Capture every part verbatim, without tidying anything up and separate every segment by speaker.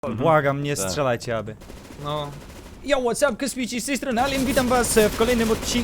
Speaker 1: Błagam, nie
Speaker 2: Tak.
Speaker 1: strzelajcie, aby.
Speaker 3: No.
Speaker 1: Yo, what's up, kosmici, z tej strony Alien, witam was w kolejnym odcinku.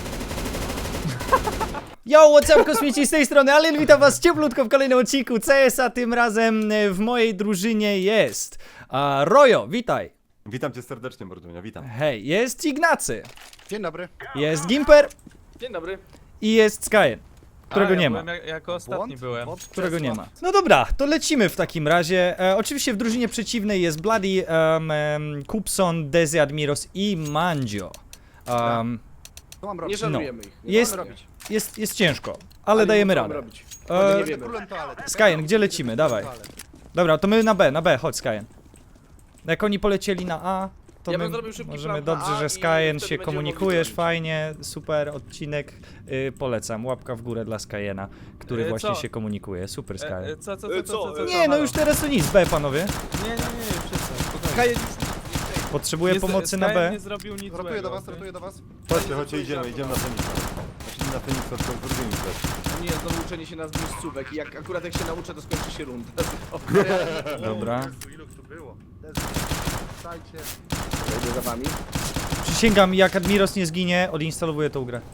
Speaker 1: Yo, what's up, kosmici, z tej strony Alien, witam was cieplutko w kolejnym odcinku C S a. Tym razem w mojej drużynie jest a, Rojo, witaj.
Speaker 2: Witam cię serdecznie, Mordunia, witam.
Speaker 1: Hej, jest Ignacy,
Speaker 4: Dzień dobry.
Speaker 1: jest Gimper
Speaker 3: Dzień dobry.
Speaker 1: i jest Skyen, którego
Speaker 3: A, ja
Speaker 1: nie ma.
Speaker 3: byłem jak, jako ostatni
Speaker 4: Błąd?
Speaker 3: byłem.
Speaker 4: Błąd
Speaker 1: Którego nie
Speaker 4: krzesła.
Speaker 1: ma. No dobra, to lecimy w takim razie. E, oczywiście w drużynie przeciwnej jest Bloody, um, um, Kupson, Dezi Admiros i Mandzio. Um,
Speaker 4: Co mam
Speaker 5: Nie
Speaker 4: robić?
Speaker 5: szanujemy ich. Nie
Speaker 1: Jest-
Speaker 5: mamy robić.
Speaker 1: jest, jest ciężko, ale dajemy
Speaker 5: co mamy
Speaker 1: radę.
Speaker 5: robić.
Speaker 1: E,
Speaker 5: nie
Speaker 4: Będę
Speaker 5: wiemy.
Speaker 4: królem toalety.
Speaker 1: Skyen, gdzie lecimy? Dawaj. Dobra, to my na B, na B, chodź Skyen. Jak oni polecieli na A, to
Speaker 5: Ja
Speaker 1: my
Speaker 5: bym zrobił szybki
Speaker 1: możemy,
Speaker 5: plan na
Speaker 1: dobrze,
Speaker 5: A
Speaker 1: że
Speaker 5: i
Speaker 1: Skyen
Speaker 5: wtedy
Speaker 1: się
Speaker 5: będziemy
Speaker 1: komunikujesz,
Speaker 5: mogli
Speaker 1: fajnie, super odcinek, y, polecam, łapka w górę dla Skyena, który
Speaker 3: E,
Speaker 1: właśnie
Speaker 3: co?
Speaker 1: się komunikuje, super
Speaker 3: E,
Speaker 1: Skyen.
Speaker 3: e, co, co,
Speaker 5: E,
Speaker 3: co, co,
Speaker 5: co?
Speaker 3: co, co,
Speaker 1: Nie,
Speaker 3: co,
Speaker 1: no
Speaker 3: halo?
Speaker 1: już teraz to nic, B panowie,
Speaker 3: Nie, nie, nie, przestań, spokojnie.
Speaker 5: Kajen,
Speaker 1: potrzebuję
Speaker 3: Nie z-
Speaker 1: pomocy na
Speaker 3: Sky
Speaker 1: B.
Speaker 3: nie zrobił nic
Speaker 4: Rotuję
Speaker 3: złego,
Speaker 4: do was,
Speaker 3: okej?
Speaker 4: rotuję do was.
Speaker 2: Chodźcie, chodźcie, idziemy, idziemy na Feniksa. Znaczy na Feniksa, tylko z drugimi też.
Speaker 5: nie, znowu uczenie się nazw miejscówek i jak akurat jak się nauczę, to skończy się runda.
Speaker 1: Dobra.
Speaker 4: Jezu, ilu tu było. Słuchajcie.
Speaker 5: Idę za wami.
Speaker 1: Przysięgam, jak Admiros nie zginie, odinstalowuję tą grę.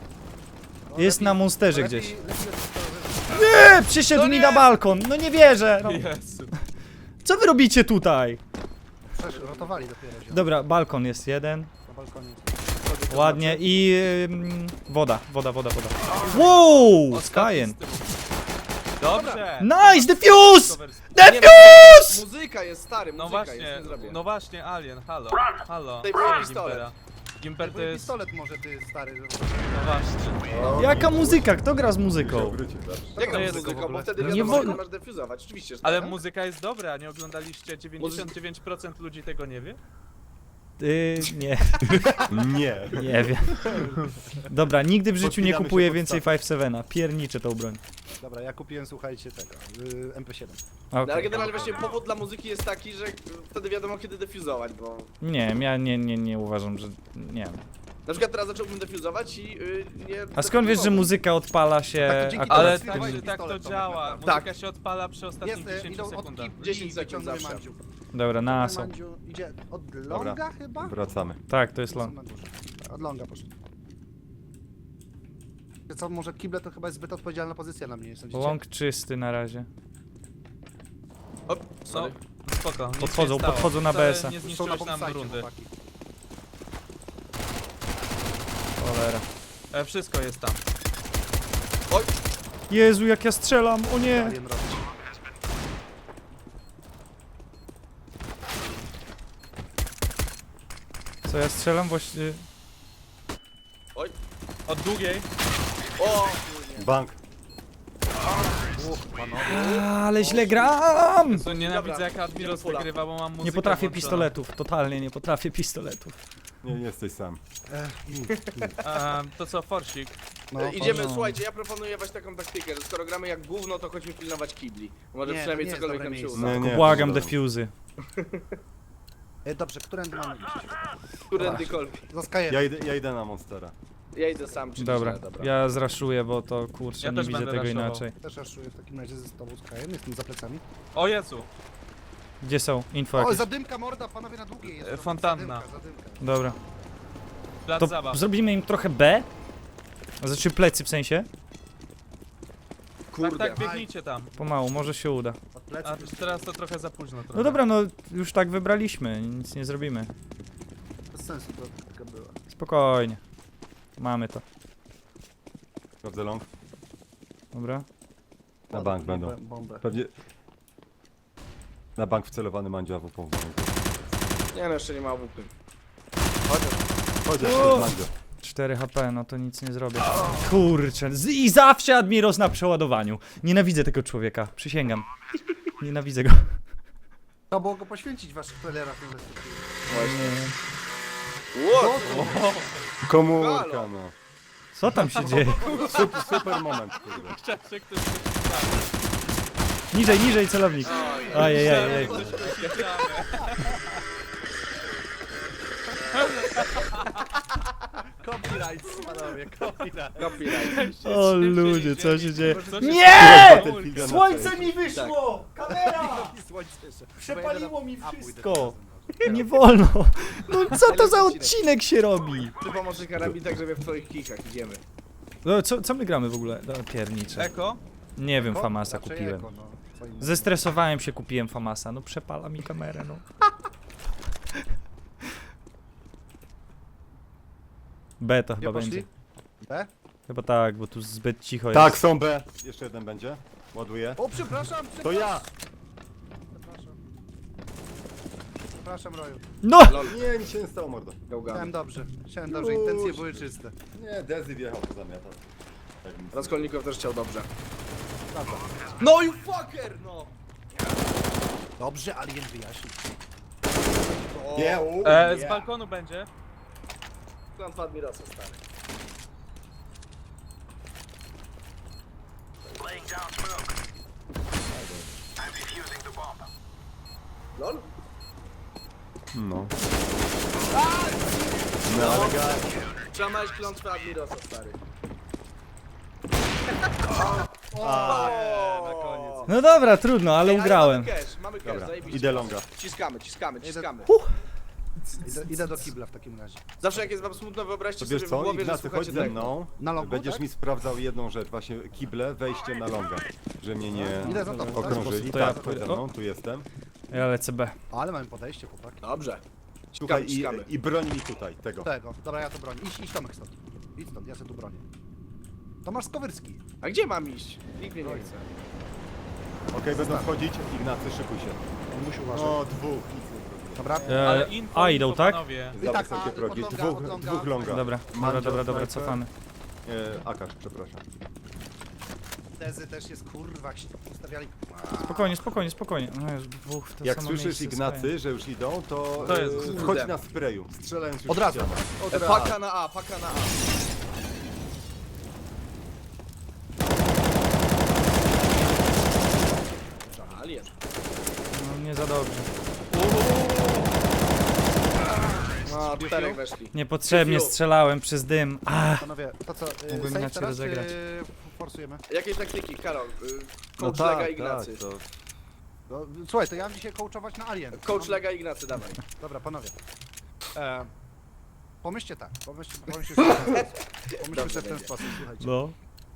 Speaker 1: Jest na monsterze gdzieś. Nie, przyszedł mi na balkon, no nie wierzę. No.
Speaker 3: Jezu.
Speaker 1: Co wy robicie tutaj?
Speaker 4: Przecież rotowali dopiero się.
Speaker 1: Dobra, balkon jest jeden,
Speaker 4: Na balkonie.
Speaker 1: ładnie i ym, woda, woda, woda, woda. Wow, Skyen.
Speaker 3: Dobrze.
Speaker 1: Nice, defuse!
Speaker 5: Nie,
Speaker 1: Defuse!
Speaker 5: Muzyka jest stary,
Speaker 3: No
Speaker 5: muzyka
Speaker 3: właśnie,
Speaker 5: jest, nie zrobię.
Speaker 3: no właśnie, Alien, halo, halo.
Speaker 5: Daj mi
Speaker 3: Halo,
Speaker 5: pistolet.
Speaker 3: Gimpera. Gimper to
Speaker 4: Twój
Speaker 3: jest,
Speaker 4: pistolet może ty stary. żeby-
Speaker 3: no właśnie.
Speaker 1: Jaka muzyka? Kto gra z
Speaker 2: Się
Speaker 1: muzyką?
Speaker 2: obrócić zawsze.
Speaker 5: Jaka
Speaker 3: To jest
Speaker 5: muzyka,
Speaker 4: w
Speaker 5: bo
Speaker 4: ogóle.
Speaker 5: wtedy
Speaker 1: Nie
Speaker 5: wiadomo,
Speaker 1: wolno.
Speaker 5: że masz defuzować. Oczywiście, że
Speaker 3: Ale
Speaker 5: tak.
Speaker 3: muzyka jest dobra, nie oglądaliście? dziewięćdziesiąt dziewięć procent ludzi tego nie wie?
Speaker 1: Yy, nie,
Speaker 2: Nie.
Speaker 1: nie wiem. Dobra, nigdy w życiu nie
Speaker 2: Podpinamy się
Speaker 1: kupuję
Speaker 2: pod
Speaker 1: więcej
Speaker 2: staw.
Speaker 1: pięć siedem. Pierniczę tą broń.
Speaker 4: Dobra, ja kupiłem, słuchajcie, tego. y, M P siedem.
Speaker 5: No, ale
Speaker 1: Okay.
Speaker 5: generalnie właśnie powód dla muzyki jest taki, że wtedy wiadomo kiedy defuzować, bo...
Speaker 1: Nie, ja nie, nie, nie uważam, że... nie wiem.
Speaker 5: Na przykład teraz zacząłbym defuzować i yy, nie...
Speaker 1: A skąd wiesz, że muzyka odpala się...
Speaker 4: Tak, to dzięki
Speaker 1: akurat
Speaker 3: Ale
Speaker 1: w
Speaker 4: Teraz
Speaker 3: tak,
Speaker 1: tym-
Speaker 4: pistolet
Speaker 3: tak to
Speaker 4: to
Speaker 3: działa.
Speaker 4: tak
Speaker 3: Muzyka się odpala przy ostatnich
Speaker 4: Jest, y,
Speaker 3: dziesięciu
Speaker 4: idą od
Speaker 3: sekundach.
Speaker 4: kip,
Speaker 5: dziesięć
Speaker 4: i
Speaker 5: sekund
Speaker 4: wyciągnę
Speaker 5: zawsze.
Speaker 4: Mandziu.
Speaker 1: Dobra, na aso.
Speaker 4: Mandziu idzie od longa chyba?
Speaker 2: Wracamy.
Speaker 1: Tak, to jest long.
Speaker 4: Od longa poszedł. Wiecie Co, może kible to chyba jest zbyt odpowiedzialna pozycja na mnie, nie sądzicie?
Speaker 1: Long czysty na razie.
Speaker 5: O,
Speaker 3: No,
Speaker 5: sorry.
Speaker 3: spoko. nic
Speaker 1: Podchodzą,
Speaker 3: nie stało.
Speaker 1: podchodzą na
Speaker 3: Wcale
Speaker 1: B S a.
Speaker 3: Nie
Speaker 4: Są na
Speaker 3: zniszczyłeś nam
Speaker 4: bombsite,
Speaker 3: rundy.
Speaker 4: chłopaki.
Speaker 1: Cholera.
Speaker 3: E, wszystko jest tam.
Speaker 1: Jezu, jak ja strzelam, o nie!
Speaker 4: Alien robić.
Speaker 1: Co ja strzelam właśnie...
Speaker 3: Od długiej.
Speaker 5: O,
Speaker 2: Bank.
Speaker 4: Uch, panowie.
Speaker 1: Ale źle gram!
Speaker 3: To nienawidzę
Speaker 5: Dobra,
Speaker 3: jak Admiros
Speaker 5: idziemy fulla.
Speaker 3: wygrywa, bo mam muzykę
Speaker 1: Nie potrafię
Speaker 3: włączoną.
Speaker 1: pistoletów, totalnie nie potrafię pistoletów.
Speaker 2: Nie, nie jesteś sam.
Speaker 3: E, to co, forsik?
Speaker 4: No,
Speaker 5: E, Idziemy,
Speaker 1: no.
Speaker 5: słuchajcie, ja proponuję właśnie taką taktykę, że skoro gramy jak gówno, to chodźmy pilnować kibli. Może
Speaker 4: Nie, to
Speaker 5: przynajmniej
Speaker 4: nie jest
Speaker 5: cokolwiek
Speaker 4: dobre
Speaker 5: nam się
Speaker 4: miejsce.
Speaker 5: uda.
Speaker 2: Nie, nie.
Speaker 1: Błagam,
Speaker 2: to-
Speaker 1: defuzy.
Speaker 4: E, dobrze, którędy mamy iść?
Speaker 5: Którędykolwiek.
Speaker 4: Za Skyem.
Speaker 2: Ja idę, ja idę na Monstera.
Speaker 5: Ja idę sam, czyli
Speaker 1: Dobra,
Speaker 5: źle, dobra.
Speaker 1: ja zraszuję, bo to kurczę,
Speaker 3: Ja
Speaker 1: nie
Speaker 3: też
Speaker 1: widzę
Speaker 3: będę
Speaker 1: tego
Speaker 3: raszował.
Speaker 1: inaczej.
Speaker 4: Też raszuję w takim razie ze tobą Skyem, jestem za plecami.
Speaker 3: O Jezu!
Speaker 1: Gdzie są? Info
Speaker 4: O,
Speaker 1: jakieś.
Speaker 4: zadymka morda, panowie na długiej jest.
Speaker 3: E, fontanna.
Speaker 4: Zadymka, zadymka.
Speaker 1: Dobra.
Speaker 3: Plac
Speaker 1: To
Speaker 3: zabaw.
Speaker 1: zrobimy im trochę B? Znaczy plecy w sensie?
Speaker 3: Tak,
Speaker 5: Kurde.
Speaker 3: tak, biegnijcie tam.
Speaker 1: Pomału, może się uda.
Speaker 4: Od plecy.
Speaker 3: A teraz to trochę za późno. Trochę.
Speaker 1: No dobra, no już tak wybraliśmy, nic nie zrobimy.
Speaker 4: Bez sensu to taka była.
Speaker 1: Spokojnie. Mamy to.
Speaker 2: Sprawdzę long.
Speaker 1: Dobra.
Speaker 2: Na bank będą.
Speaker 4: Bombę.
Speaker 2: Pewnie... Na bank wcelowany Mandzio, a w pół.
Speaker 5: Nie no, jeszcze nie ma łupy.
Speaker 2: Chodź,
Speaker 1: O!
Speaker 2: Mandzio.
Speaker 1: cztery H P, no to nic nie zrobię. Kurczę, z- i zawsze Admiros na przeładowaniu. Nienawidzę tego człowieka, przysięgam. Nienawidzę go.
Speaker 4: Trzeba było go poświęcić w waszych trailerach inwestycyjnych.
Speaker 5: Właśnie. What?
Speaker 2: Komórka,
Speaker 5: Halo.
Speaker 2: no.
Speaker 1: Co tam się dzieje?
Speaker 2: Super, super moment, kurde.
Speaker 3: Chciałem, że ktoś
Speaker 1: Niżej, niżej celownik. Ajajaj.
Speaker 3: coś poświęcamy.
Speaker 4: Copyright, panowie, copyright.
Speaker 5: Copyright.
Speaker 1: O ludzie, co się dzieje?
Speaker 3: Co się
Speaker 1: Nie!
Speaker 2: Battlefielda na
Speaker 1: Słońce
Speaker 2: tej.
Speaker 1: mi wyszło! Kamera!
Speaker 4: I słońce jeszcze.
Speaker 1: Przepaliło mi
Speaker 4: A, pójdę
Speaker 1: wszystko.
Speaker 4: teraz.
Speaker 1: Nie wolno. No co to za odcinek się robi?
Speaker 5: Ty pomocy karabin tak, żeby w twoich kikach idziemy.
Speaker 1: No, co, co my gramy w ogóle? No, piernicze.
Speaker 3: Eko?
Speaker 1: Nie wiem,
Speaker 4: Eko?
Speaker 1: Famasa
Speaker 4: Raczej
Speaker 1: kupiłem.
Speaker 4: eko, no. Co innego.
Speaker 1: Zestresowałem się, kupiłem Famasa. No przepala mi kamerę, no. B to
Speaker 4: Gdzie
Speaker 1: chyba
Speaker 4: poszli?
Speaker 1: będzie.
Speaker 4: B?
Speaker 1: Chyba tak, bo tu zbyt cicho
Speaker 2: Tak,
Speaker 1: jest.
Speaker 2: są B. Jeszcze jeden będzie. Ładuję.
Speaker 4: O, przepraszam,
Speaker 2: To
Speaker 4: przepraszam.
Speaker 2: ja!
Speaker 4: Przepraszam. Przepraszam, Roju.
Speaker 1: No!
Speaker 5: Lol,
Speaker 2: Nie, nic się nie stało, mordo.
Speaker 4: Chciałem
Speaker 5: gałgany.
Speaker 4: dobrze. Chciałem dobrze,
Speaker 2: Już.
Speaker 4: intencje były czyste.
Speaker 2: Nie, Dezy wjechał, to zamiata. Tak nic.
Speaker 5: Raskolnikow też chciał dobrze.
Speaker 4: Prawda.
Speaker 5: No you fucker, no!
Speaker 4: Dobrze, Alien wyjaśnił.
Speaker 2: Nie, u,
Speaker 3: E,
Speaker 2: nie.
Speaker 3: z balkonu będzie.
Speaker 5: Klątwa Admirosa, stary. Lol?
Speaker 2: No. No, ale ga...
Speaker 5: Trzeba mać klątwę Admirosa, stary.
Speaker 2: A, nie, na koniec.
Speaker 1: No dobra, trudno, ale
Speaker 5: Ej,
Speaker 1: ugrałem.
Speaker 5: Mamy cash, mamy cash,
Speaker 2: Dobra,
Speaker 5: zajebiście.
Speaker 2: idę longa.
Speaker 5: Ciskamy, ciskamy, ciskamy.
Speaker 4: Idę, idę do kibla w takim razie.
Speaker 5: Zawsze jak jest wam smutno, wyobraźcie
Speaker 2: To wiesz
Speaker 5: sobie w
Speaker 2: co,
Speaker 5: głowie, że
Speaker 2: Ignacy,
Speaker 5: słuchacie
Speaker 2: chodź ze
Speaker 5: tego.
Speaker 2: mną.
Speaker 4: Na longu,
Speaker 2: Będziesz
Speaker 4: tak?
Speaker 2: mi sprawdzał jedną rzecz, właśnie kible, wejście na longa. Że mnie nie
Speaker 4: Idę za tobą, tak?
Speaker 2: okrążyli.
Speaker 1: To ja
Speaker 2: Tak, chodź
Speaker 1: pójdę.
Speaker 2: ze mną, tu jestem.
Speaker 1: Ja lecę B.
Speaker 4: Ale mamy podejście, chłopaki.
Speaker 5: Dobrze.
Speaker 2: Słuchaj, i,
Speaker 5: ciskamy.
Speaker 2: i broń mi tutaj, tego.
Speaker 4: Tego. Dobra, ja to bronię. Idź, idź Tomek stąd. Idź stąd, ja sobie tu bronię. Tomasz Skowyrski.
Speaker 5: A gdzie mam iść? Nikt mnie nie chce.
Speaker 2: Okej, będą wchodzić. Ignacy, szykuj się.
Speaker 4: On musi uważać.
Speaker 2: O, dwóch, nic nie zrobiłem.
Speaker 4: Dobra.
Speaker 1: E,
Speaker 3: Ale info,
Speaker 1: a, idą,
Speaker 3: info,
Speaker 1: tak?
Speaker 3: panowie.
Speaker 4: I tak,
Speaker 2: Za wysokie
Speaker 4: a,
Speaker 2: progi.
Speaker 4: od longa,
Speaker 2: Dwóch,
Speaker 4: od longa.
Speaker 2: dwóch longa.
Speaker 1: Dobra, dobra,
Speaker 2: Mandzio,
Speaker 1: dobra, dobra,
Speaker 2: snajper.
Speaker 1: cofamy.
Speaker 2: E, Akasz, przepraszam.
Speaker 4: Tezy też jest kurwa, jak się to ustawiali.
Speaker 1: Spokojnie, spokojnie, spokojnie. No jest dwóch w to
Speaker 2: Jak
Speaker 1: samo
Speaker 2: słyszysz
Speaker 1: miejsce
Speaker 2: Ignacy, że już idą, to,
Speaker 3: To jest
Speaker 2: e,
Speaker 5: kurde.
Speaker 2: wchodź na sprayu, strzelając już
Speaker 4: Od razu.
Speaker 2: w ścianę. Od
Speaker 5: E,
Speaker 2: razu.
Speaker 5: Paka na A, paka na A. Alien.
Speaker 1: No nie za dobrze.
Speaker 5: No, czterech weszli.
Speaker 1: Niepotrzebnie
Speaker 5: Fiu.
Speaker 1: strzelałem przez dym. A,
Speaker 4: Panowie, to co, y,
Speaker 1: Mógłbym
Speaker 4: save
Speaker 1: inaczej
Speaker 4: teraz,
Speaker 1: rozegrać.
Speaker 4: czy forsujemy?
Speaker 5: Jakie taktyki, Karol? Y,
Speaker 2: No
Speaker 5: Coach Lega
Speaker 2: tak,
Speaker 5: Ignacy.
Speaker 2: tak, to...
Speaker 4: No, słuchaj, to ja mam dzisiaj coachować na Alien.
Speaker 5: Coach
Speaker 4: Mam-
Speaker 5: Lega Ignacy, dawaj.
Speaker 4: Dobra, panowie. E, pomyślcie tak, pomyślcie, pomyślcie sobie w ten sposób. Pomyślcie
Speaker 5: Dobrze
Speaker 4: sobie w ten
Speaker 5: będzie.
Speaker 4: sposób, słuchajcie.
Speaker 1: no.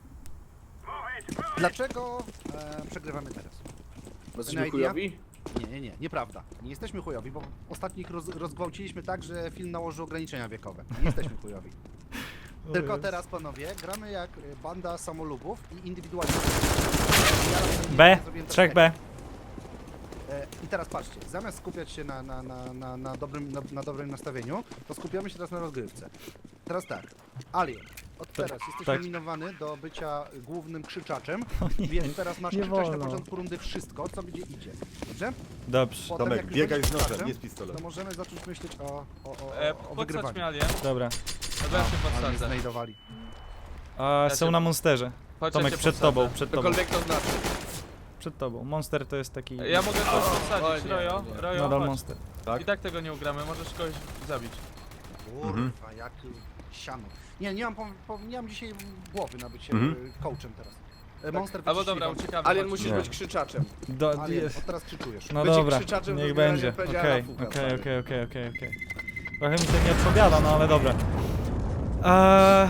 Speaker 4: Dlaczego e, przegrywamy teraz?
Speaker 5: Bo jesteśmy
Speaker 4: idea?
Speaker 5: chujowi?
Speaker 4: Nie, nie, nie, nieprawda. Nie jesteśmy chujowi, bo ostatnich roz, rozgwałciliśmy tak, że film nałożył ograniczenia wiekowe. Nie jesteśmy chujowi. Tylko teraz, panowie, gramy jak e, banda samolubów i indywidualnie.
Speaker 1: B, trzech B.
Speaker 4: E, I teraz patrzcie, zamiast skupiać się na, na, na, na, na, dobrym, na, na dobrym nastawieniu, to skupiamy się teraz na rozgrywce. Teraz tak, Alien, od teraz jesteś
Speaker 1: tak.
Speaker 4: nominowany do bycia głównym krzyczaczem,
Speaker 1: nie,
Speaker 4: więc teraz masz
Speaker 1: nie
Speaker 4: krzyczeć na
Speaker 1: wolno.
Speaker 4: początku rundy wszystko, co będzie idzie. Dobrze?
Speaker 1: Dobrze,
Speaker 4: Potem,
Speaker 2: Tomek,
Speaker 4: jak już
Speaker 2: biegaj
Speaker 4: będziesz
Speaker 2: z nożem,
Speaker 4: krzaczem,
Speaker 2: nie z pistoletem.
Speaker 4: to możemy zacząć myśleć o, o, o,
Speaker 3: E,
Speaker 4: o, o
Speaker 3: podsadź
Speaker 4: wygrywaniu.
Speaker 3: mnie alien.
Speaker 1: dobra.
Speaker 3: Dobra, ja się
Speaker 4: Ale mnie
Speaker 3: podsadzę.
Speaker 4: znajdowali.
Speaker 1: A,
Speaker 3: Ja
Speaker 1: są
Speaker 3: cię-
Speaker 1: na monsterze.
Speaker 3: Chodź,
Speaker 1: Tomek,
Speaker 3: ja cię
Speaker 1: przed
Speaker 3: podsadzę.
Speaker 1: tobą, przed tobą,
Speaker 5: Cokolwiek to znaczy.
Speaker 1: przed tobą. Monster to jest taki...
Speaker 3: Ja mogę kogoś podsadzić,
Speaker 5: o nie,
Speaker 3: Rojo,
Speaker 5: o nie.
Speaker 3: Rojo,
Speaker 1: Nadal
Speaker 3: chodź.
Speaker 1: monster.
Speaker 2: Tak?
Speaker 3: I tak tego nie ugramy, możesz kogoś zabić.
Speaker 2: Mhm.
Speaker 4: Kurwa, jak siano. Nie, nie mam, pom- pom- nie mam dzisiaj głowy na bycie
Speaker 2: Mhm.
Speaker 4: y, coachem teraz. E, Monster
Speaker 3: Albo
Speaker 4: wyciśnij,
Speaker 3: dobra,
Speaker 4: walczy.
Speaker 3: uciekamy.
Speaker 5: Alien
Speaker 3: chodź.
Speaker 5: musisz
Speaker 2: Nie.
Speaker 5: być krzyczaczem.
Speaker 1: Do,
Speaker 4: Alien,
Speaker 1: jest.
Speaker 4: od teraz krzyczujesz.
Speaker 1: No
Speaker 5: Bycie
Speaker 1: dobra,
Speaker 5: krzyczaczem to
Speaker 1: niech
Speaker 5: generalnie
Speaker 1: będzie.
Speaker 5: powiedziała
Speaker 1: Okej,
Speaker 5: Rafuka,
Speaker 1: okej,
Speaker 5: stary.
Speaker 1: okej, okej, okej, okej. Trochę mi to nie odpowiada, no ale dobra. Eee...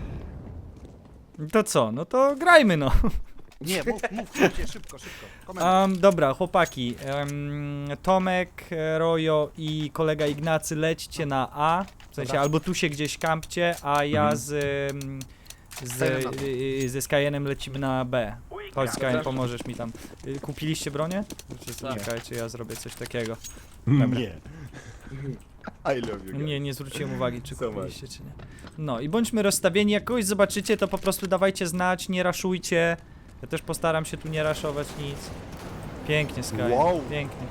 Speaker 1: To co? No to grajmy no.
Speaker 4: Nie, mów, mów, szybciej, szybko, szybko. Komentarz.
Speaker 1: Um, dobra, chłopaki. Um, Tomek, Rojo i kolega Ignacy lećcie na A. W sensie
Speaker 4: Dobra.
Speaker 1: albo tu się gdzieś kampcie, a ja
Speaker 2: Mhm.
Speaker 1: z, ym, z,
Speaker 4: Skyrim na
Speaker 1: y, ze Skyenem lecimy na B. Chodź Skyen,
Speaker 5: Dobra.
Speaker 1: pomożesz mi tam. Y, Kupiliście bronię? Czy
Speaker 3: Tak.
Speaker 1: czekajcie, ja zrobię coś takiego.
Speaker 2: Nie. I love you guys.
Speaker 1: Nie, nie zwróciłem uwagi, czy
Speaker 2: So much.
Speaker 1: kupiliście, czy nie. No i bądźmy rozstawieni, jak kogoś zobaczycie, to po prostu dawajcie znać, nie raszujcie. Ja też postaram się tu nie raszować nic. Pięknie, Sky.
Speaker 2: Wow.
Speaker 1: Pięknie.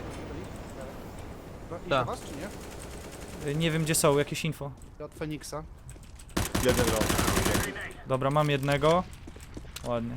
Speaker 4: No, i
Speaker 3: Tak.
Speaker 4: do was, czy nie?
Speaker 1: Y, Nie wiem, gdzie są, jakieś info.
Speaker 4: Od Feniksa.
Speaker 2: Jeden rok.
Speaker 1: Dobra, mam jednego. Ładnie.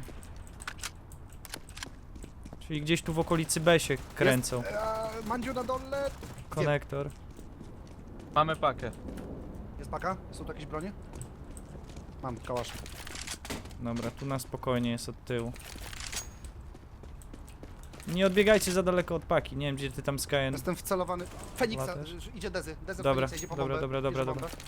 Speaker 1: Czyli gdzieś tu w okolicy B się kręcą.
Speaker 4: Eee, Mandziu na dole.
Speaker 1: Konektor.
Speaker 3: Mamy pakę.
Speaker 4: Jest paka? Są tu jakieś bronie? Mam, kałasznik.
Speaker 1: Dobra, tu na spokojnie jest od tyłu. Nie odbiegajcie za daleko od paki, nie wiem gdzie ty tam Skyen.
Speaker 4: Jestem wcelowany. Feniksa,
Speaker 1: Łapiesz?
Speaker 4: że- że idzie Dezy. Dezy
Speaker 1: Dobra,
Speaker 4: Feniksa, idzie po
Speaker 1: dobra,
Speaker 4: bombę,
Speaker 1: dobra, dobra,
Speaker 4: bierze
Speaker 1: dobra.
Speaker 4: bombę.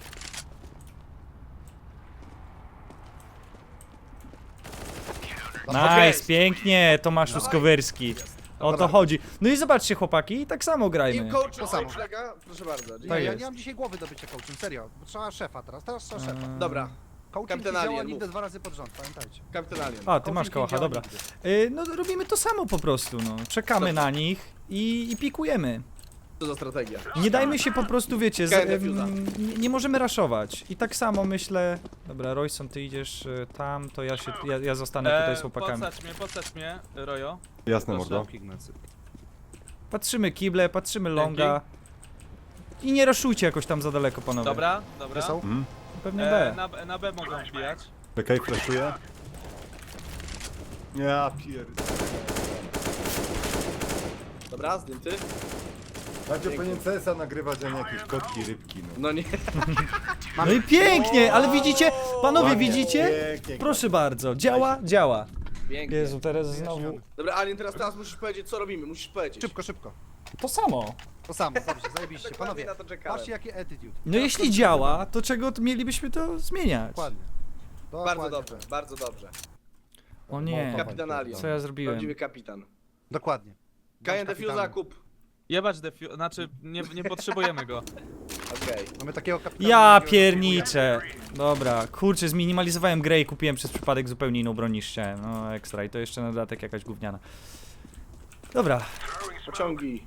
Speaker 1: Nice, pięknie, Tomasz Łuskowyrski. O to chodzi. No i zobaczcie chłopaki, i tak samo grajmy.
Speaker 5: Team coach,
Speaker 4: To samo.
Speaker 5: coach lega, proszę bardzo.
Speaker 4: Nie,
Speaker 1: Tak
Speaker 4: ja
Speaker 1: jest.
Speaker 4: nie mam dzisiaj głowy do bycia coachem, serio. Bo trzeba szefa teraz, teraz trzeba szefa.
Speaker 1: Eee,
Speaker 5: Dobra,
Speaker 4: Coaching
Speaker 5: Kapitan
Speaker 4: nie działa
Speaker 5: Alien,
Speaker 4: nigdy
Speaker 5: mów.
Speaker 4: dwa razy pod rząd, pamiętajcie.
Speaker 5: Kapitan Alien.
Speaker 1: A, ty
Speaker 4: Coaching
Speaker 1: masz
Speaker 4: nie
Speaker 1: kałacha,
Speaker 4: działa
Speaker 1: dobra.
Speaker 4: nigdy.
Speaker 1: Y, no robimy to samo po prostu, no. Czekamy
Speaker 5: Dobrze.
Speaker 1: na nich i, i pikujemy.
Speaker 5: Co za strategia?
Speaker 1: Nie dajmy się po prostu, wiecie, z,
Speaker 5: Sky
Speaker 1: em,
Speaker 5: defuza.
Speaker 1: nie, nie możemy raszować. I tak samo myślę... Dobra, Royson, ty idziesz y, tam, to ja się, ja, ja zostanę tutaj z chłopakami.
Speaker 3: Podsadź mnie, podsadź mnie, Rojo.
Speaker 2: Jasne,
Speaker 3: Proszę.
Speaker 2: mordo.
Speaker 4: Ignacy.
Speaker 1: Patrzymy kible, patrzymy longa. I nie raszujcie jakoś tam za daleko, panowie.
Speaker 3: Dobra, dobra.
Speaker 4: Gdzie są?
Speaker 2: Mhm.
Speaker 1: Pewnie
Speaker 3: E,
Speaker 1: B.
Speaker 3: na, na B mogą wbijać.
Speaker 2: Czekaj, flashuję. Ja pier...
Speaker 5: Dobra, zdjęty?
Speaker 2: Będzie powinien C S a nagrywać, a nie jakieś kotki, rybki, no.
Speaker 5: No nie.
Speaker 1: No i pięknie, ale widzicie, panowie
Speaker 2: Ładnie,
Speaker 1: widzicie?
Speaker 2: pięknie.
Speaker 1: Proszę bardzo, działa, działa.
Speaker 5: Pięknie.
Speaker 1: Jezu, teraz znowu...
Speaker 5: Dobra, Alien, teraz, teraz musisz powiedzieć, co robimy, musisz powiedzieć.
Speaker 4: Szybko, szybko.
Speaker 1: To samo.
Speaker 4: To samo, dobrze, zajebiście.
Speaker 5: Dokładnie
Speaker 4: Panowie,
Speaker 5: na to czekałem.
Speaker 4: patrzcie jakie attitude.
Speaker 1: No jeśli działa, to czego t- mielibyśmy to zmieniać?
Speaker 4: Dokładnie.
Speaker 5: Bardzo
Speaker 4: Dokładnie
Speaker 5: dobrze,
Speaker 4: tak.
Speaker 5: bardzo dobrze.
Speaker 1: O nie,
Speaker 5: Kapitan Alien.
Speaker 1: co ja zrobiłem?
Speaker 5: Prawdziwy kapitan.
Speaker 4: Dokładnie.
Speaker 5: Kajen
Speaker 4: Bądź
Speaker 5: defuza,
Speaker 4: kapitanem.
Speaker 5: kup.
Speaker 3: Jebać defiu... znaczy nie, nie potrzebujemy go.
Speaker 5: Okej.
Speaker 4: Mamy takiego kapitana.
Speaker 1: Ja
Speaker 4: takiego
Speaker 1: pierniczę. Dobra, kurczę, zminimalizowałem grę i kupiłem przez przypadek zupełnie inną broń niż chciałem. No ekstra i to jeszcze na dodatek jakaś gówniana. Dobra,
Speaker 5: Pociągi.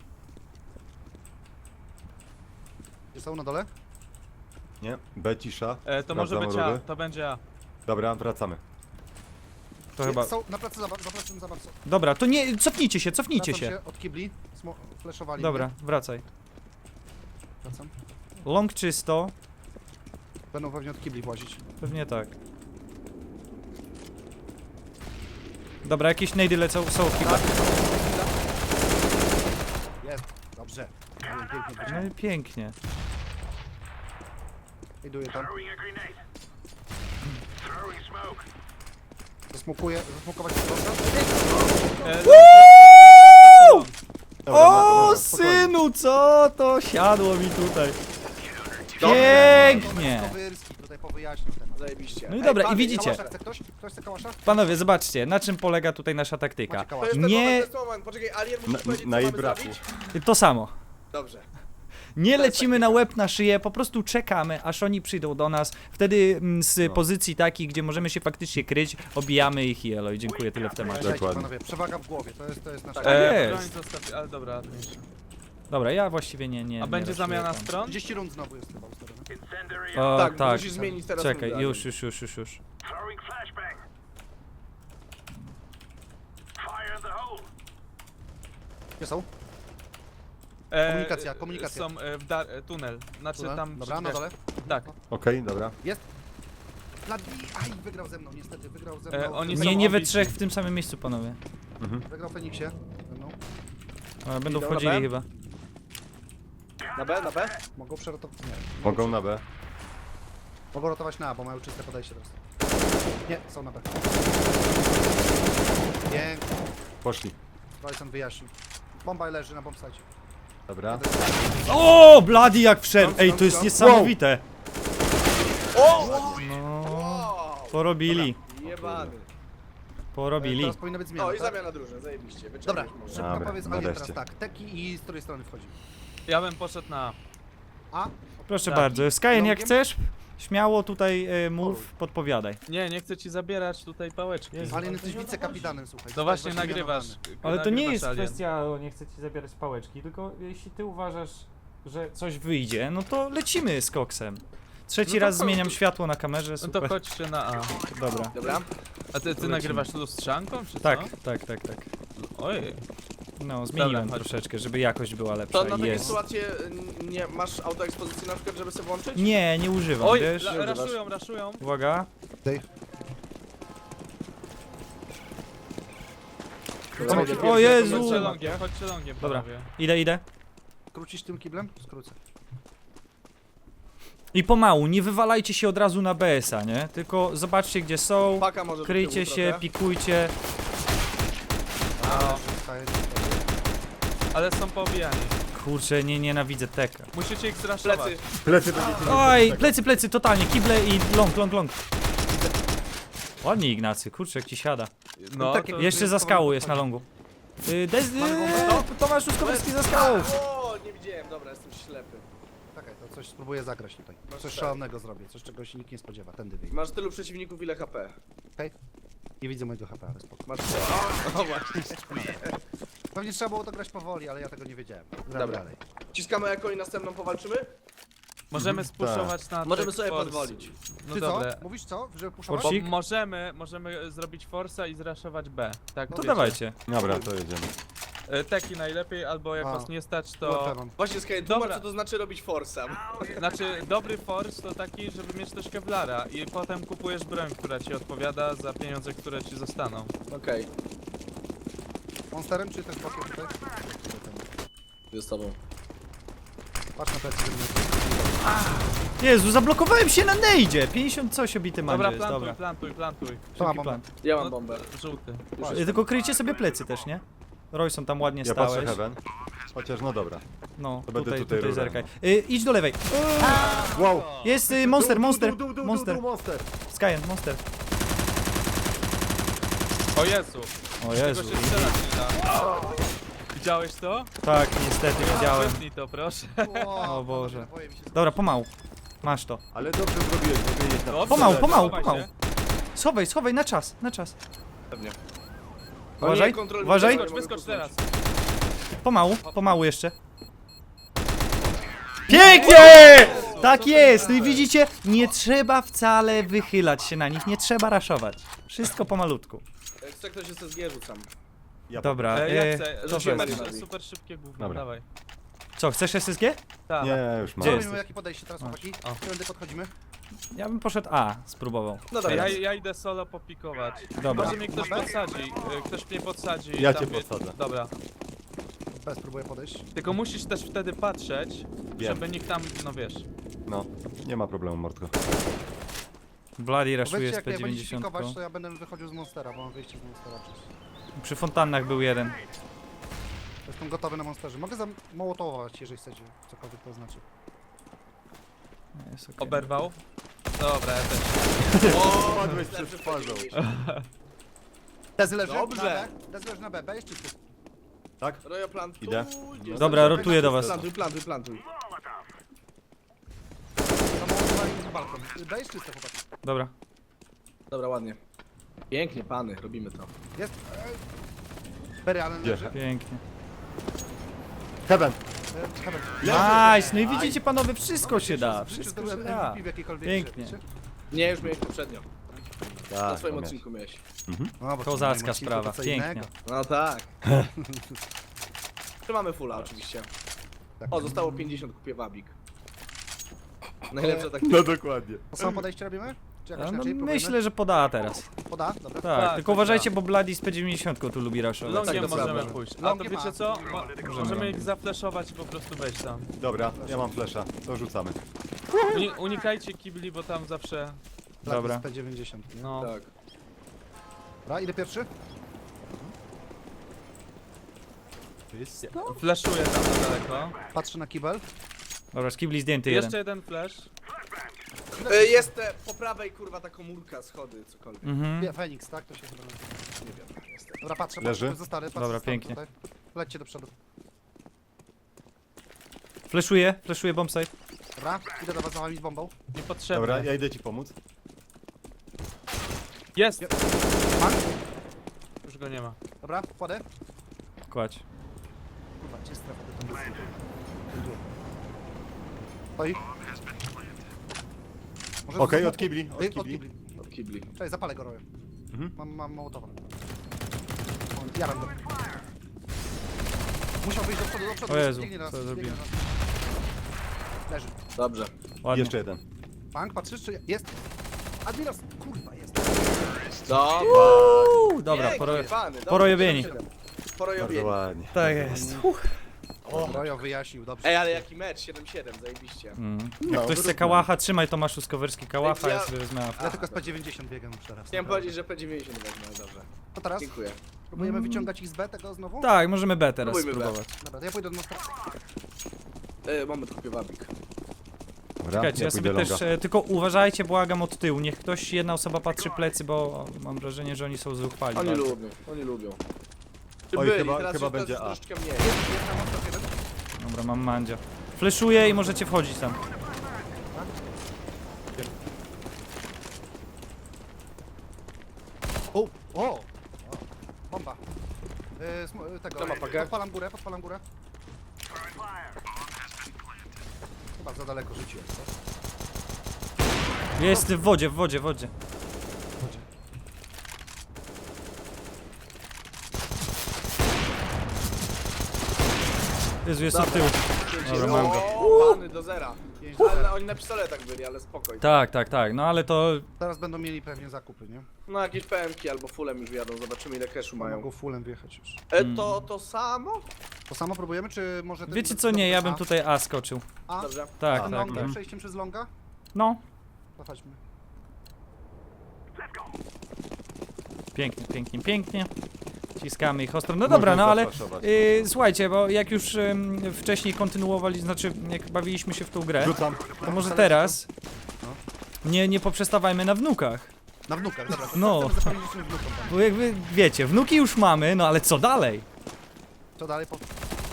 Speaker 4: Gdzie są na dole?
Speaker 2: Nie? B cisza.
Speaker 3: E, to może
Speaker 2: Sprawdzamy
Speaker 3: być A,
Speaker 2: rury.
Speaker 3: to będzie A.
Speaker 2: Dobra, wracamy.
Speaker 1: to chyba...
Speaker 4: Są na placu zabaw, za placem zabaw. są.
Speaker 1: Dobra, to nie, cofnijcie się, cofnijcie
Speaker 4: Wracam
Speaker 1: się.
Speaker 4: od kibli. Smo- flashowali
Speaker 1: Dobra,
Speaker 4: mnie.
Speaker 1: wracaj.
Speaker 4: Wracam.
Speaker 1: Long czysto,
Speaker 4: Będą pewnie od kibli włazić.
Speaker 1: pewnie tak. Dobra, jakieś nejdy lecą, są chyba.
Speaker 4: Jest. Dobrze. Ale pięknie
Speaker 1: No
Speaker 4: wyciągnął.
Speaker 1: i pięknie.
Speaker 4: Iduję tam. Zasmukuję, zasmukować proszę.
Speaker 3: E,
Speaker 2: Dobra,
Speaker 1: O,
Speaker 2: dobra, spokojnie.
Speaker 1: synu, co to siadło mi tutaj. Pięknie.
Speaker 4: Kowyrski tutaj powyjaśnił temat.
Speaker 5: Zajebiście.
Speaker 1: No i
Speaker 5: Ej,
Speaker 1: dobra, i
Speaker 5: panie,
Speaker 1: widzicie.
Speaker 4: Kałasza chce ktoś? Ktoś chce kałasza?
Speaker 1: Panowie, zobaczcie, na czym polega tutaj nasza taktyka.
Speaker 4: Macie
Speaker 5: To
Speaker 4: kałasza.
Speaker 5: jest ten
Speaker 1: Nie-
Speaker 5: moment, to jest ten moment. Poczekaj, Alien, musisz
Speaker 2: Na-
Speaker 5: powiedzieć, co
Speaker 2: na jej
Speaker 5: mamy
Speaker 2: braku.
Speaker 5: zrobić?
Speaker 1: To samo.
Speaker 5: Dobrze.
Speaker 1: Nie lecimy na łeb, na szyję, po prostu czekamy, aż oni przyjdą do nas. Wtedy mm, z
Speaker 2: No.
Speaker 1: pozycji takiej, gdzie możemy się faktycznie kryć, obijamy ich i elo. I dziękuję, tyle w temacie.
Speaker 4: Słuchajcie,
Speaker 2: Dokładnie.
Speaker 4: panowie, przewaga w głowie, to jest, to jest nasza...
Speaker 5: Tak.
Speaker 1: E,
Speaker 3: e,
Speaker 1: jest.
Speaker 3: broń zostawi... ale dobra, mniejsza.
Speaker 1: Dobra, ja właściwie nie, nie
Speaker 3: A
Speaker 1: nie
Speaker 3: będzie
Speaker 1: raszuję
Speaker 3: zamiana
Speaker 1: tam.
Speaker 3: stron?
Speaker 4: trzydzieści rund znowu jest chyba ustawione.
Speaker 1: O,
Speaker 5: Tak,
Speaker 1: tak.
Speaker 5: musisz zmienić teraz
Speaker 1: Czekaj,
Speaker 5: rundę,
Speaker 1: już,
Speaker 5: Alien.
Speaker 1: już, już, już, już.
Speaker 4: Gdzie są?
Speaker 3: E,
Speaker 4: Komunikacja, komunikacja.
Speaker 3: Są e, w da... e, tunel. Znaczy
Speaker 4: Tunel?
Speaker 3: tam...
Speaker 4: Dobra,
Speaker 3: przy
Speaker 4: na
Speaker 3: drzwiach.
Speaker 4: dole.
Speaker 3: Tak.
Speaker 2: Okej, dobra.
Speaker 4: Bladi, aj, wygrał ze mną, niestety, wygrał ze
Speaker 3: E,
Speaker 4: mną.
Speaker 3: oni
Speaker 1: Nie,
Speaker 3: są
Speaker 1: nie we
Speaker 3: obici.
Speaker 1: trzech w tym samym miejscu, panowie.
Speaker 4: Wygrał Feniksie ze mną.
Speaker 1: A, będą
Speaker 5: Idą na
Speaker 1: wchodzili
Speaker 5: B?
Speaker 1: chyba.
Speaker 5: Na B, na B?
Speaker 4: Mogą przerotować... Nie.
Speaker 2: Mogą na B.
Speaker 4: Mogą rotować na A, bo mają czyste podejście teraz. Nie, są na B. Pięknie.
Speaker 2: Poszli.
Speaker 4: Royson wyjaśnił. Bomba leży na bombsite.
Speaker 2: Dobra.
Speaker 1: O, Bloody jak wszedł!
Speaker 4: Skąd,
Speaker 1: Ej,
Speaker 4: skąd,
Speaker 1: to jest
Speaker 4: skąd?
Speaker 1: niesamowite.
Speaker 5: O!
Speaker 1: No,
Speaker 5: Wow!
Speaker 1: porobili.
Speaker 5: Jebany.
Speaker 1: Porobili.
Speaker 4: Teraz powinna być zmiana,
Speaker 5: O, i
Speaker 4: tak?
Speaker 5: zamiana drużyn, zajebiście.
Speaker 4: Dobra,
Speaker 5: Wyczerpiesz może.
Speaker 4: szybko
Speaker 2: Dobra,
Speaker 4: powiedz Alien
Speaker 2: nareszcie.
Speaker 4: teraz tak. Teki i z której strony wchodzi?
Speaker 3: Ja bym poszedł na A.
Speaker 4: A?
Speaker 1: Proszę
Speaker 3: Tak.
Speaker 1: bardzo. Skyen, jak
Speaker 4: Longiem?
Speaker 1: chcesz, śmiało tutaj e, mów, podpowiadaj.
Speaker 3: Nie, nie chcę ci zabierać tutaj pałeczki.
Speaker 4: Alien jesteś wicekapitanem, słuchaj.
Speaker 3: No
Speaker 4: Zostałeś
Speaker 3: właśnie
Speaker 4: właśnie
Speaker 3: nagrywasz.
Speaker 4: mianowany.
Speaker 1: Ale to nie
Speaker 3: nagrywasz
Speaker 1: jest
Speaker 3: Alien.
Speaker 1: kwestia, o, nie chcę ci zabierać pałeczki, tylko jeśli ty uważasz, że coś wyjdzie, no to lecimy z koksem. Trzeci
Speaker 3: No to
Speaker 1: raz
Speaker 3: chodź.
Speaker 1: zmieniam światło na kamerze,
Speaker 3: No
Speaker 1: super.
Speaker 3: to chodźcie na A.
Speaker 1: Dobra.
Speaker 5: Dobra.
Speaker 3: A ty, ty nagrywasz tu lustrzanką, czy
Speaker 1: Tak,
Speaker 3: co?
Speaker 1: tak, tak, tak.
Speaker 3: Ojej.
Speaker 1: No, zmieniłem
Speaker 3: chodź.
Speaker 1: troszeczkę, żeby jakość była lepsza.
Speaker 5: To na takie
Speaker 1: Jest.
Speaker 5: sytuacje y, nie masz autoekspozycji na przykład, żeby sobie włączyć?
Speaker 1: Nie, nie używam,
Speaker 3: Oj,
Speaker 1: wiesz?
Speaker 3: la, raszują, raszują.
Speaker 1: Uwaga.
Speaker 4: Dej.
Speaker 1: O, o Jezu!
Speaker 3: Chodźcie longiem, chodźcie longiem,
Speaker 1: Dobra.
Speaker 3: panowie.
Speaker 1: Idę, idę.
Speaker 4: Krócisz tym kiblem? Skrócę.
Speaker 1: I pomału, nie wywalajcie się od razu na B S a, nie? Tylko zobaczcie gdzie są,
Speaker 5: Paka może do
Speaker 1: kryjcie
Speaker 5: tyłu
Speaker 1: się,
Speaker 5: trochę.
Speaker 1: pikujcie.
Speaker 4: Zostaje-
Speaker 3: Ale są poobijani.
Speaker 1: Kurczę, nie nienawidzę teka.
Speaker 3: Musicie ich zraszować.
Speaker 5: Plecy.
Speaker 2: Plecy będziecie
Speaker 1: Oj, plecy, plecy, totalnie, kible i long, long, long. Ładnie Ignacy, kurczę, jak ci siada.
Speaker 3: No,
Speaker 4: takie-
Speaker 3: to
Speaker 1: Jeszcze za skałą jest na longu. Yy, Dez...
Speaker 4: Mamy bombę?
Speaker 1: Yy, Tomasz Ruskowski za skałą.
Speaker 5: O, nie widziałem, dobra, jestem ślepy.
Speaker 4: Czekaj, to coś spróbuję zagrać tutaj.
Speaker 5: Masz
Speaker 4: Coś
Speaker 5: tak.
Speaker 4: szalonego zrobię, coś czego się nikt nie spodziewa. Tędy wyjdę.
Speaker 5: Masz tylu przeciwników, ile H P.
Speaker 4: Okej? Nie widzę mojego H P, ale spoko.
Speaker 5: Masz o, o właśnie.
Speaker 4: Pewnie trzeba było to grać powoli, ale ja tego nie wiedziałem. Gramy
Speaker 5: Dobra.
Speaker 4: dalej.
Speaker 5: Ciskamy jako i następną powalczymy?
Speaker 3: możemy spuszować na
Speaker 5: Możemy
Speaker 3: tych
Speaker 5: sobie
Speaker 3: force.
Speaker 5: podwolić.
Speaker 3: No
Speaker 4: Ty
Speaker 3: dobra.
Speaker 4: co? Mówisz co? Żeby puszować?
Speaker 3: Bo
Speaker 1: Forsik?
Speaker 3: możemy, możemy zrobić forsa i zraszować B. Tak,
Speaker 1: To
Speaker 3: wiecie.
Speaker 1: dawajcie.
Speaker 2: Dobra, to jedziemy.
Speaker 3: E, Teki najlepiej, albo jak
Speaker 4: A.
Speaker 3: was nie stać,
Speaker 4: Kurczę,
Speaker 3: to...
Speaker 4: mam.
Speaker 5: Właśnie Sky,
Speaker 3: Dobra.
Speaker 5: tłumacz co to znaczy robić forsa.
Speaker 3: Znaczy, dobry force to taki, żeby mieć też kevlara i potem kupujesz broń, która ci odpowiada za pieniądze, które ci zostaną.
Speaker 5: Okej,
Speaker 4: Monsterem czy też bokiem tutaj?
Speaker 5: okay. z tobą.
Speaker 4: Patrz na plecy, żeby nie...
Speaker 1: Jezu, zablokowałem się na nejdzie. pięćdziesiąt coś obity
Speaker 3: Dobra,
Speaker 1: mandzie jest,
Speaker 3: plantuj,
Speaker 1: dobra.
Speaker 3: plantuj, plantuj.
Speaker 4: To mam
Speaker 1: Szybki plan.
Speaker 5: Ja
Speaker 3: No,
Speaker 5: mam bombę.
Speaker 3: Żółty.
Speaker 5: Już
Speaker 1: Y,
Speaker 5: jest.
Speaker 1: Tylko kryjcie sobie plecy też, nie? Royson tam ładnie
Speaker 2: Ja patrzę
Speaker 1: stałeś.
Speaker 2: heaven. Chociaż no dobra.
Speaker 1: No,
Speaker 2: To będę
Speaker 1: tutaj,
Speaker 2: tutaj
Speaker 1: tutaj
Speaker 2: rurem.
Speaker 1: zerkaj. Y, idź do lewej.
Speaker 2: Wow!
Speaker 1: Jest y, monster, monster,
Speaker 2: Dół, dół, dół,
Speaker 1: monster.
Speaker 2: dół, monster!
Speaker 1: Skyen, monster.
Speaker 3: O Jezu,
Speaker 1: O
Speaker 3: tego
Speaker 1: Jezu.
Speaker 3: się strzelać nie da. Widziałeś to?
Speaker 1: Tak, niestety widziałem.
Speaker 3: Wytnij to, proszę.
Speaker 1: O Boże.
Speaker 4: Naboje mi się
Speaker 1: Dobra, pomału. Masz to.
Speaker 2: Ale dobrze zrobiłeś, żeby jeść na
Speaker 3: Dobrze,
Speaker 1: Pomału, pomału,
Speaker 3: schowaj
Speaker 1: pomału.
Speaker 3: się.
Speaker 1: Schowaj, schowaj, na czas, na czas.
Speaker 5: Pewnie.
Speaker 1: Uważaj,
Speaker 5: nie, kontrol-
Speaker 1: uważaj.
Speaker 5: nie
Speaker 3: Wyskocz,
Speaker 5: mogę
Speaker 3: wyskocz
Speaker 5: kucnąć.
Speaker 3: teraz.
Speaker 1: Pomału, pomału jeszcze. Pięknie! Tak jest! No i widzicie, nie trzeba wcale wychylać się na nich, nie trzeba raszować. Wszystko pomalutku.
Speaker 5: Jak chce ktoś S S G rzucam.
Speaker 2: Ja
Speaker 1: Dobra,
Speaker 3: E, ja
Speaker 1: e,
Speaker 3: chcę,
Speaker 1: to
Speaker 3: super,
Speaker 5: jest.
Speaker 3: super szybkie gówno,
Speaker 2: Dobra.
Speaker 3: dawaj.
Speaker 1: co, chcesz S S G?
Speaker 3: Tak.
Speaker 2: Nie, już
Speaker 1: Gdzie
Speaker 2: mam.
Speaker 1: jest?
Speaker 4: Robimy jakie podejście teraz, chłopaki?
Speaker 3: O.
Speaker 4: Którędy podchodzimy?
Speaker 1: Ja bym poszedł A, spróbował.
Speaker 5: No
Speaker 3: Ja,
Speaker 5: dobra.
Speaker 3: ja idę solo popikować.
Speaker 1: Dobra.
Speaker 3: Może mnie ktoś podsadzi. e, Ktoś mnie podsadzi.
Speaker 2: Ja
Speaker 3: tam
Speaker 2: cię
Speaker 3: wie-
Speaker 2: podsadzę.
Speaker 3: Dobra.
Speaker 4: Bez, spróbuję podejść.
Speaker 3: Tylko musisz też wtedy patrzeć,
Speaker 2: Wiem.
Speaker 3: żeby nikt tam, no wiesz.
Speaker 2: No, nie ma problemu, Mordko.
Speaker 1: Bloody raszuje
Speaker 4: Powiedzcie,
Speaker 1: z
Speaker 4: jak
Speaker 1: P
Speaker 4: jak będziecie
Speaker 1: dziewięćdziesiąt.
Speaker 4: pikować, to ja będę wychodził z Monstera, bo mam wyjście z Monstera przecież.
Speaker 1: Przy fontannach był jeden.
Speaker 4: Jestem gotowy na Monsterze. Mogę zamołotować, jeżeli chcecie, cokolwiek to znaczy.
Speaker 1: Jest okej.
Speaker 3: Oberwał. Dobra, ja też.
Speaker 5: O,
Speaker 2: Padłeś przed twarzą.
Speaker 4: Dezy leży
Speaker 5: Dobrze.
Speaker 4: na B. Dezy leży na B, B jest czysty.
Speaker 2: Tak?
Speaker 5: Rojo plantuj.
Speaker 2: Idę.
Speaker 1: Dobra, rotuję do was.
Speaker 5: Plantuj, plantuj, plantuj.
Speaker 4: Zamołotowali na balkon. B jest czyste, chłopaki.
Speaker 1: Dobra.
Speaker 5: Dobra, ładnie. Pięknie, pany, robimy to.
Speaker 4: Jest. Berry Allen
Speaker 2: Gdzie?
Speaker 4: leży.
Speaker 1: Pięknie.
Speaker 2: Heaven!
Speaker 4: E, Heaven.
Speaker 1: Nice! No i widzicie panowie, wszystko się da.
Speaker 4: W życiu
Speaker 1: Wszystko się
Speaker 4: zdobyłem
Speaker 1: da.
Speaker 4: M V P w jakiejkolwiek
Speaker 1: Pięknie.
Speaker 4: grze, wiecie?
Speaker 5: Nie, już miałeś poprzednio. Na
Speaker 2: Tak,
Speaker 5: swoim
Speaker 2: to miałeś.
Speaker 5: odcinku miałeś.
Speaker 4: No, bo to
Speaker 1: Kozacka
Speaker 4: moim odcinku
Speaker 1: sprawa,
Speaker 4: to co
Speaker 1: pięknie.
Speaker 4: innego.
Speaker 5: No tak. Trzymamy fulla oczywiście.
Speaker 4: Tak.
Speaker 5: O, zostało pięćdziesiąt, kupię wabik. Najlepsza tak.
Speaker 2: No dokładnie.
Speaker 4: To samo podejście robimy? Czy jakoś
Speaker 1: No,
Speaker 4: inaczej? Próbujemy?
Speaker 1: myślę, że poda teraz.
Speaker 4: Poda? Dobra.
Speaker 1: Tak,
Speaker 3: Tak,
Speaker 1: tylko
Speaker 3: tak,
Speaker 1: uważajcie,
Speaker 3: tak.
Speaker 1: bo Bloody z P dziewięćdziesiąt tu lubi raszować.
Speaker 3: Longiem
Speaker 5: tak, to
Speaker 3: możemy
Speaker 5: prawda.
Speaker 3: pójść. A to
Speaker 4: Longiem
Speaker 3: wiecie
Speaker 4: ma.
Speaker 3: co? Mo możemy ich zafleszować i po prostu wejść tam.
Speaker 2: Dobra, ja mam flesza. To rzucamy.
Speaker 3: Uni unikajcie kibli, bo tam zawsze...
Speaker 4: Tak,
Speaker 1: Dobra.
Speaker 4: jest P dziewięćdziesiąt. nie?
Speaker 3: No.
Speaker 5: Tak.
Speaker 4: Dobra, ile pierwszy?
Speaker 2: Jest?
Speaker 3: Flashuję tam na daleko.
Speaker 4: Patrzę na kibel.
Speaker 1: Dobra, skibli zdjęty jeden.
Speaker 3: Jeszcze jeden flash.
Speaker 5: E, Jest te, po prawej kurwa ta komórka, schody, cokolwiek.
Speaker 1: Mhm.
Speaker 4: Nie, Fenix, tak? To się chyba nazywa.
Speaker 5: Nie wiem. Niestety.
Speaker 4: Dobra, patrzę,
Speaker 2: Leży?
Speaker 4: patrzę, zostary, patrzę,
Speaker 1: Dobra,
Speaker 4: zostary
Speaker 1: pięknie.
Speaker 4: Tutaj. Lećcie do przodu.
Speaker 1: Fleszuję, fleszuję bombsite.
Speaker 4: Dobra, idę do was za wami z bombą.
Speaker 3: Niepotrzebne.
Speaker 2: Dobra, ja idę ci pomóc.
Speaker 3: Jest!
Speaker 4: Pan?
Speaker 3: Już go nie ma.
Speaker 4: Dobra, wkładę.
Speaker 1: Kładź.
Speaker 4: Kurwa, gdzie jest strefa? To jest- Oj. Może
Speaker 2: Okej,
Speaker 4: z-
Speaker 2: od kibli, od
Speaker 4: Ej,
Speaker 2: kibli.
Speaker 5: Od kibli.
Speaker 4: Czekaj, zapalę go roję.
Speaker 2: Mhm.
Speaker 4: Mam, mam mołotowa. Jaram go. Musiał wyjść do przodu, do przodu.
Speaker 1: O Jezu,
Speaker 4: biegnie na nas,
Speaker 1: co
Speaker 4: biegnie
Speaker 1: zrobiłem?
Speaker 4: na nas. Leży.
Speaker 5: Dobrze.
Speaker 1: Ładnie.
Speaker 2: Jeszcze jeden.
Speaker 4: Bank, patrzysz czy jest? Admiros, kurwa jest.
Speaker 5: Dobra.
Speaker 1: Uuu, dobra,
Speaker 5: Pięknie,
Speaker 1: poro...
Speaker 5: pany, dobrze,
Speaker 1: porojobieni.
Speaker 5: dobrze.
Speaker 2: Bardzo
Speaker 5: Porojobieni.
Speaker 2: ładnie.
Speaker 1: Tak jest. Uff.
Speaker 4: Rojo wyjaśnił, dobrze.
Speaker 5: Ej, ale jaki mecz, siedem siedem, zajebiście.
Speaker 1: Mm. Jak
Speaker 2: No,
Speaker 1: ktoś chce
Speaker 2: wyrównane.
Speaker 1: kałacha, trzymaj Tomaszu Skowerski kałacha,
Speaker 5: Ja-
Speaker 1: ja sobie wezmę.
Speaker 4: Ja tylko z P dziewięćdziesiąt biegam już teraz.
Speaker 5: Chciałem powiedzieć, że P dziewięćdziesiąt wezmę, dobrze.
Speaker 4: To teraz
Speaker 5: Dziękuję.
Speaker 4: próbujemy wyciągać ich z B tego znowu?
Speaker 1: Tak, możemy B teraz
Speaker 5: Próbujmy B.
Speaker 1: spróbować.
Speaker 4: Dobra, to ja pójdę do nostra...
Speaker 5: E, moment, kupię wabik.
Speaker 2: Dobra,
Speaker 1: Czekajcie, ja
Speaker 2: pójdę
Speaker 1: sobie też,
Speaker 2: longa.
Speaker 1: e, tylko uważajcie, błagam od tyłu, niech ktoś, jedna osoba patrzy plecy, bo mam wrażenie, że oni są zuchwali.
Speaker 5: Oni
Speaker 1: bardzo.
Speaker 5: lubią, oni lubią. Czy
Speaker 2: Oj,
Speaker 5: byli,
Speaker 2: chyba-
Speaker 5: teraz
Speaker 2: chyba
Speaker 5: już
Speaker 2: będzie
Speaker 5: to
Speaker 2: A.
Speaker 5: jest troszeczkę mniej.
Speaker 4: Jest na mostach jeden?
Speaker 1: Dobra, mam mandzia. Fleszuję i możecie wchodzić tam.
Speaker 4: O! O! o. Bomba. Yy, sm- yy, tego,
Speaker 5: To ma pakę?
Speaker 4: podpalam górę, podpalam górę. Chyba za daleko rzuciłem, co?
Speaker 1: Jest w wodzie, w wodzie, w wodzie. Jezu, jest od tyłu. Dobra, mam go.
Speaker 5: O, pany do zera.
Speaker 4: Pięć do
Speaker 5: Ale
Speaker 4: zera.
Speaker 5: oni na pistoletach byli, ale spokojnie.
Speaker 1: Tak, tak, tak, no ale to...
Speaker 4: Teraz będą mieli pewnie zakupy, nie?
Speaker 5: No jakieś P M ki albo fullem już wjadą, zobaczymy ile cashu mają.
Speaker 4: Mogą fullem wjechać już.
Speaker 5: E, to to samo?
Speaker 4: To samo próbujemy, czy może... ten-
Speaker 1: Wiecie co, nie, ja bym tutaj A skoczył.
Speaker 4: A?
Speaker 5: Dobrze.
Speaker 1: Tak,
Speaker 4: Tym
Speaker 1: tak,
Speaker 4: longiem,
Speaker 1: tak.
Speaker 4: przejściem przez longa?
Speaker 1: No,
Speaker 4: To chodźmy.
Speaker 1: pięknie, pięknie, pięknie. Ciskamy ich ostro. No
Speaker 2: Można
Speaker 1: dobra, no ale
Speaker 2: zaflaszować.
Speaker 1: yy, słuchajcie, bo jak już ym, wcześniej kontynuowali, znaczy jak bawiliśmy się w tą grę,
Speaker 2: Rzucam.
Speaker 1: to może teraz nie, nie poprzestawajmy na wnukach.
Speaker 4: Na wnukach, dobra. To
Speaker 1: No.
Speaker 4: chcemy zapewnić naszym wnukom. tam.
Speaker 1: Bo jakby, wiecie, wnuki już mamy, no ale co dalej?
Speaker 4: Co dalej? Po...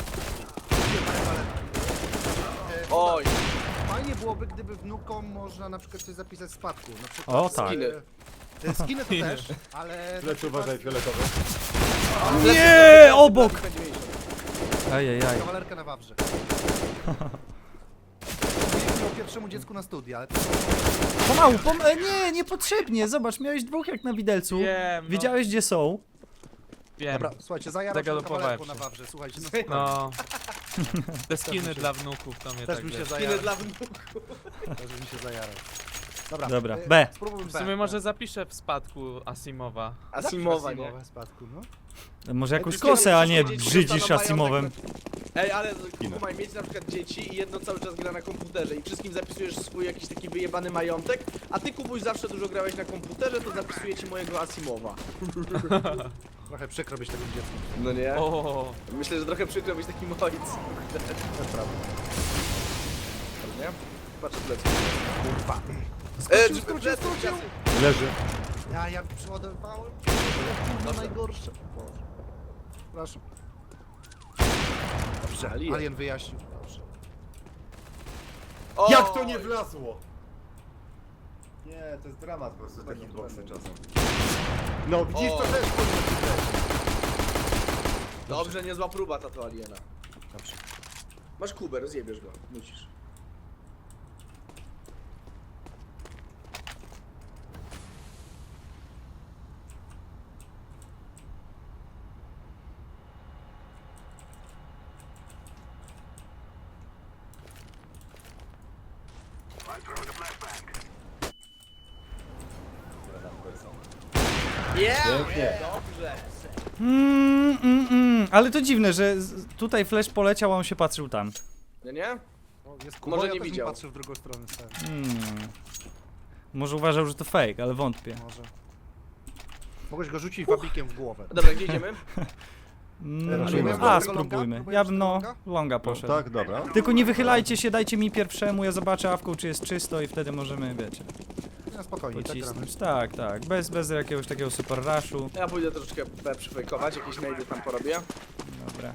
Speaker 5: Oj,
Speaker 4: Fajnie byłoby, gdyby wnukom można na przykład coś zapisać w spadku. Na przykład,
Speaker 1: O, tak.
Speaker 5: Skiny.
Speaker 4: e, Skiny to też, ale... na
Speaker 2: Lecz
Speaker 4: przykład
Speaker 2: uważaj, fioletowy.
Speaker 1: Nie, obok! Ajajaj.
Speaker 4: Kawalerkę na Wawrze. Mówiliśmy o pierwszemu dziecku na studia, ale to
Speaker 1: Pomału, pom e, nie, niepotrzebnie, zobacz, miałeś dwóch jak na widelcu.
Speaker 3: Wiem, no,
Speaker 1: Wiedziałeś gdzie są.
Speaker 3: wiem.
Speaker 4: Dobra, słuchajcie, zajarał się
Speaker 3: Zagalopowałem
Speaker 4: kawalerką
Speaker 3: się.
Speaker 4: na Wawrze, słuchajcie, no,
Speaker 3: No. Te
Speaker 4: Też
Speaker 3: skiny
Speaker 4: mi się-
Speaker 3: dla wnuków to mnie
Speaker 4: też
Speaker 3: tak
Speaker 4: mi się
Speaker 3: wiesz.
Speaker 4: zajarał.
Speaker 5: skiny dla wnuków.
Speaker 4: Też mi się zajarał. Dobra,
Speaker 1: Dobra,
Speaker 4: e,
Speaker 1: B.
Speaker 4: Spróbujmy
Speaker 3: W
Speaker 4: B.
Speaker 3: sumie może zapiszę w spadku Asimowa.
Speaker 5: Asimowa, nie?
Speaker 4: Asimowa w spadku, no.
Speaker 1: Może jakąś
Speaker 5: Ej,
Speaker 1: kosę, a nie
Speaker 5: dzieci
Speaker 1: brzydzisz
Speaker 5: dostaną
Speaker 1: Asimowem.
Speaker 5: Ej, ale kumaj, mieć na przykład dzieci i jedno cały czas gra na komputerze i wszystkim zapisujesz swój jakiś taki wyjebany majątek, a ty Kubuś zawsze dużo grałeś na komputerze, to zapisuję ci mojego Asimowa.
Speaker 4: Trochę przykro być tego dziecku.
Speaker 5: No nie?
Speaker 3: O,
Speaker 5: Myślę, że trochę przykro być takim ojcem.
Speaker 4: To jest prawda.
Speaker 5: Nie? Patrzę plecy.
Speaker 4: Kurwa.
Speaker 5: E,
Speaker 4: Skrócił, skrócił,
Speaker 5: plecy,
Speaker 4: skrócił.
Speaker 5: plecy.
Speaker 2: Leży.
Speaker 4: Ja, ja przeładowałem. No najgorsze. Boże. Przepraszam. Dobrze,
Speaker 5: Alien.
Speaker 4: Alien wyjaśnił. Dobrze.
Speaker 5: O,
Speaker 2: Jak to nie wlazło? Nie, to jest dramat po prostu taki boksy czasem. No widzisz, to
Speaker 5: O.
Speaker 2: też powinno
Speaker 5: Dobrze, niezła próba tato aliena.
Speaker 4: Dobrze.
Speaker 5: Masz kubę, rozjebiesz go. Musisz. Yeah!
Speaker 2: Pięknie.
Speaker 5: Dobrze.
Speaker 1: Mm, mm, mm. Ale to dziwne, że z- tutaj flash poleciał, a on się patrzył tam.
Speaker 5: Nie, nie?
Speaker 4: O, jest Kuba,
Speaker 5: Może
Speaker 4: ja
Speaker 5: nie
Speaker 4: też bym
Speaker 5: widział.
Speaker 4: patrzył w drugą stronę. Stary.
Speaker 1: Hmm. Może uważał, że to fake, ale wątpię.
Speaker 4: Może. Mogłeś go rzucić wabikiem w głowę.
Speaker 5: Dobra, gdzie idziemy?
Speaker 1: Mm,
Speaker 2: Robimy
Speaker 1: a,
Speaker 2: tego longa?
Speaker 1: spróbujmy.
Speaker 4: Próbujemy
Speaker 1: Ja bym no,
Speaker 4: tego longa?
Speaker 1: longa
Speaker 2: No,
Speaker 1: poszedł.
Speaker 2: tak, dobra.
Speaker 1: Tylko nie wychylajcie się, dajcie mi pierwszemu, ja zobaczę awką, czy jest czysto i wtedy możemy, wiecie,
Speaker 4: No spokojnie, tak gramy.
Speaker 1: pocisnąć. Tak, tak, bez, bez jakiegoś takiego super rushu.
Speaker 5: Ja pójdę troszeczkę B przyfejkować, jakieś najdy tam porobię.
Speaker 1: Dobra.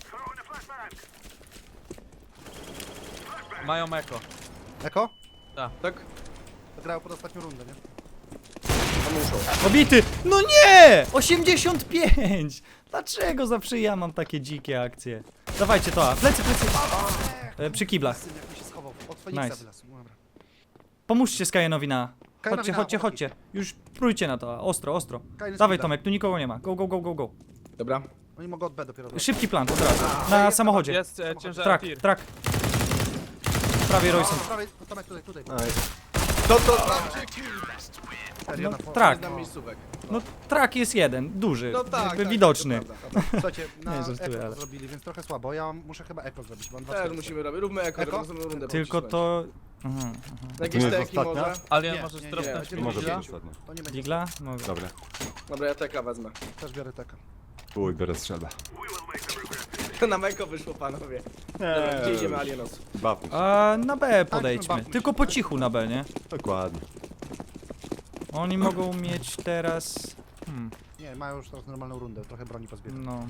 Speaker 3: mają eko.
Speaker 4: Eko?
Speaker 5: Tak?
Speaker 4: To grają pod ostatnią rundę, nie?
Speaker 5: No muszą.
Speaker 1: Obity! No nie! osiemdziesiąt pięć! Dlaczego zawsze ja mam takie dzikie akcje? Dawajcie to, a plecy, plecy! E, przy kiblach.
Speaker 4: Syn jak mi się schował. Od Feniksa
Speaker 1: Nice.
Speaker 4: wylazł. Dobra.
Speaker 1: Pomóżcie Skajenowi na...
Speaker 4: Kajenowi
Speaker 1: Chodźcie,
Speaker 4: na,
Speaker 1: chodźcie,
Speaker 4: chłopaki.
Speaker 1: chodźcie. Już prójcie na to, ostro, ostro.
Speaker 4: Kajen z
Speaker 1: Dawaj
Speaker 4: kibla.
Speaker 1: Tomek, tu nikogo nie ma. Go, go, go, go, go.
Speaker 5: Dobra.
Speaker 4: Oni mogą od B dopiero wejść.
Speaker 1: Szybki plan, od razu. Na samochodzie.
Speaker 3: Jest e, ciężar
Speaker 1: Trak,
Speaker 3: tir.
Speaker 1: trak. Prawie Royson.
Speaker 4: Po prawej, Tomek tutaj, tutaj.
Speaker 2: Aj.
Speaker 5: To to znaczy,
Speaker 4: Serio,
Speaker 1: No,
Speaker 4: na fo-
Speaker 1: trak.
Speaker 5: na miejscówek.
Speaker 1: No trak jest jeden, duży,
Speaker 5: No tak,
Speaker 1: jakby
Speaker 5: tak,
Speaker 1: widoczny.
Speaker 5: to prawda.
Speaker 4: Dobra, słuchajcie, na
Speaker 1: Nie, żartuję,
Speaker 4: eko to
Speaker 1: ale-
Speaker 4: zrobili, więc trochę słabo. Ja muszę chyba eko zrobić, mam dwa
Speaker 5: Też
Speaker 4: serca.
Speaker 5: musimy robić, róbmy eko,
Speaker 4: Eko?
Speaker 5: żeby następną rundę
Speaker 1: Tylko
Speaker 5: pocisnąć.
Speaker 1: to... Aha, aha.
Speaker 2: To
Speaker 5: Jakieś
Speaker 2: nie jest
Speaker 5: teki
Speaker 2: ostatnia?
Speaker 5: może?
Speaker 3: Alien
Speaker 4: Nie,
Speaker 3: możesz
Speaker 4: nie, nie,
Speaker 3: dropnąć
Speaker 5: nie,
Speaker 3: mi
Speaker 2: Może być
Speaker 3: digla?
Speaker 2: ostatnia.
Speaker 4: To nie będzie.
Speaker 1: Digla? Mogę.
Speaker 2: Dobra.
Speaker 5: Dobra, ja teka wezmę.
Speaker 4: Też biorę teka.
Speaker 2: Uj, biorę strzelbę.
Speaker 5: Na meko wyszło, panowie. Dobra, gdzie idziemy, Alienos?
Speaker 2: Bawmy się.
Speaker 1: A na B podejdźmy,
Speaker 4: bawmy się.
Speaker 1: tylko po cichu na B, nie?
Speaker 2: Dokładnie.
Speaker 1: Oni mogą mieć teraz... Hmm,
Speaker 4: Nie, mają już teraz normalną rundę, trochę broni pozbierać.
Speaker 1: no...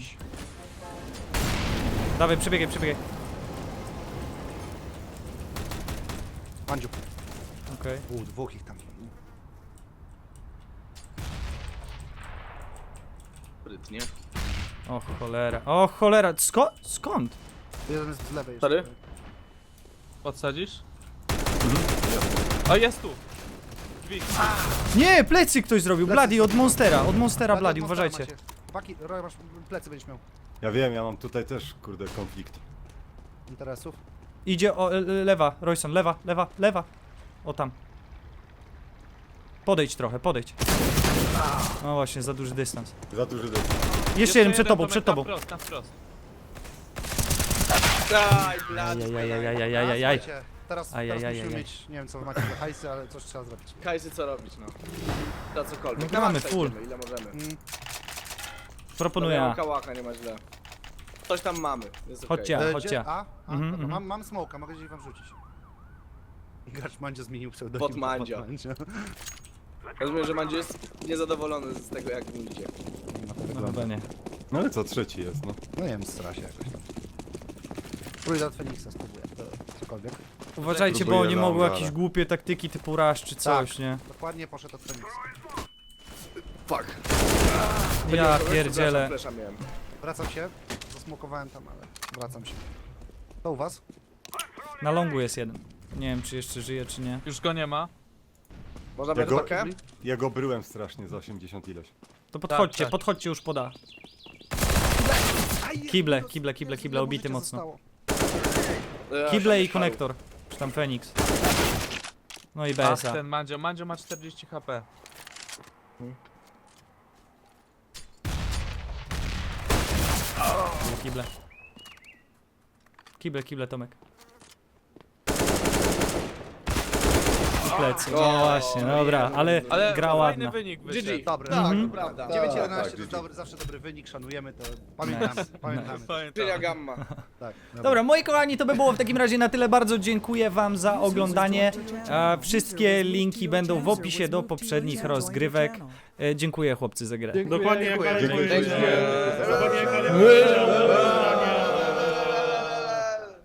Speaker 1: Dawaj, przebiegaj, przebiegaj.
Speaker 4: Mandziu.
Speaker 1: Okej.
Speaker 4: U, dwóch ich tam.
Speaker 5: Sprytnie.
Speaker 1: O cholera, o cholera, Sko skąd?
Speaker 4: Jeden jest z lewej jeszcze.
Speaker 5: Sorry?
Speaker 3: Podsadzisz? O, jest tu! Drzwi.
Speaker 1: Nie, plecy ktoś zrobił,
Speaker 4: Plecy
Speaker 1: Bloody od
Speaker 4: zrobił.
Speaker 1: Monstera, od Monstera
Speaker 4: Bloody
Speaker 1: Bloody,
Speaker 4: od Monstera
Speaker 1: uważajcie.
Speaker 4: macie. Chłopaki, Roy, masz plecy będziesz miał.
Speaker 2: Ja wiem, ja mam tutaj też, kurde, konflikt.
Speaker 4: Interesów.
Speaker 1: Idzie o, le- lewa, Royson, lewa, lewa, lewa. O tam. Podejdź trochę, podejdź. No właśnie, za duży dystans.
Speaker 2: Za duży dym.
Speaker 1: Jeszcze jeden przed tobą,
Speaker 3: Tomek,
Speaker 1: przed
Speaker 3: na
Speaker 1: tobą.
Speaker 3: wprost, na wprost.
Speaker 5: Daj, blad.
Speaker 1: Ajajajajajajajaj.
Speaker 4: Słuchajcie, teraz, teraz
Speaker 1: Ajajajajaj.
Speaker 4: musimy mieć, nie wiem co wy macie za hajsy, ale coś trzeba zrobić.
Speaker 5: Kajsy, co robić, no. To cokolwiek.
Speaker 1: No
Speaker 5: Na
Speaker 1: gramy
Speaker 5: maksa
Speaker 1: full.
Speaker 5: idziemy, ile możemy.
Speaker 4: Mm,
Speaker 1: Proponuję
Speaker 5: Dobra,
Speaker 1: A.
Speaker 5: kałacha, nie ma źle. Coś tam mamy, jest okej.
Speaker 1: Chodźcie. Ja,
Speaker 4: e,
Speaker 1: chodźcie.
Speaker 4: gdzie? A? A?
Speaker 1: Mhm,
Speaker 4: Dobra,
Speaker 1: mhm.
Speaker 4: mam, mam smoka, mogę gdzieś wam rzucić. Gracz Mandzio zmienił pseudonim.
Speaker 5: Bot Mandzio.
Speaker 4: Bot Mandzio.
Speaker 5: Rozumiem, że Mandziu jest niezadowolony z tego, jak mu idzie.
Speaker 4: Nie ma to
Speaker 1: No
Speaker 4: wyglądu.
Speaker 1: chyba nie.
Speaker 2: No ale co, trzeci jest, no.
Speaker 4: No nie wiem, stra się jakoś tam. Próbuję od Feniksa spróbuję, to cokolwiek.
Speaker 1: Uważajcie, bo
Speaker 2: Próbuję
Speaker 1: oni mogą
Speaker 2: longa,
Speaker 1: jakieś
Speaker 2: ale-
Speaker 1: głupie taktyki typu rush czy coś,
Speaker 4: Tak.
Speaker 1: nie?
Speaker 4: Dokładnie poszedł od Feniksa.
Speaker 5: Fuck.
Speaker 1: Ja pierdzielę.
Speaker 5: Flesza miałem.
Speaker 4: Wracam się, zasmokowałem tam, ale wracam się. To u was?
Speaker 1: Na longu jest jeden. Nie wiem, czy jeszcze żyje, czy nie.
Speaker 3: Już go nie ma.
Speaker 5: Można
Speaker 2: Ja
Speaker 5: brać
Speaker 2: go,
Speaker 5: pakę?
Speaker 2: ja go bryłem strasznie za osiemdziesiąt ileś.
Speaker 1: To podchodźcie,
Speaker 3: tak.
Speaker 1: podchodźcie już poda. Kible, kible, kible, kible,
Speaker 4: Znowu
Speaker 1: obity
Speaker 4: życie
Speaker 1: mocno.
Speaker 4: zostało.
Speaker 5: Ja,
Speaker 1: Kible i
Speaker 5: szarów.
Speaker 1: konektor. Czy tam Feniks. No i
Speaker 3: Ach,
Speaker 1: B S A.
Speaker 3: ten Mandzio. Mandzio ma czterdzieści HP.
Speaker 1: Kible. Kible, kible, Tomek. I plecy. No
Speaker 5: O,
Speaker 1: właśnie, dobra, ale
Speaker 3: Ale
Speaker 1: gra
Speaker 3: fajny
Speaker 1: ładna.
Speaker 3: wynik
Speaker 5: G
Speaker 3: wyszedł.
Speaker 5: G.
Speaker 4: Dobry.
Speaker 5: Tak,
Speaker 1: Mhm.
Speaker 5: to prawda.
Speaker 4: dziewięć
Speaker 2: Tak,
Speaker 4: jedenaście
Speaker 2: tak,
Speaker 4: to jest
Speaker 2: G G.
Speaker 4: dobry, zawsze dobry wynik, szanujemy to. Pamiętamy, pamiętamy.
Speaker 3: Pamiętam.
Speaker 5: Czynia gamma.
Speaker 4: Tak,
Speaker 1: Dobra, moi kochani, to by było w takim razie na tyle. Bardzo dziękuję wam za oglądanie. E, wszystkie linki będą w opisie do poprzednich rozgrywek. E, dziękuję chłopcy za grę.
Speaker 6: Dokładnie jak
Speaker 2: Dziękuję.
Speaker 6: Dziękuję.
Speaker 2: Dziękuję.
Speaker 6: Dokładnie jak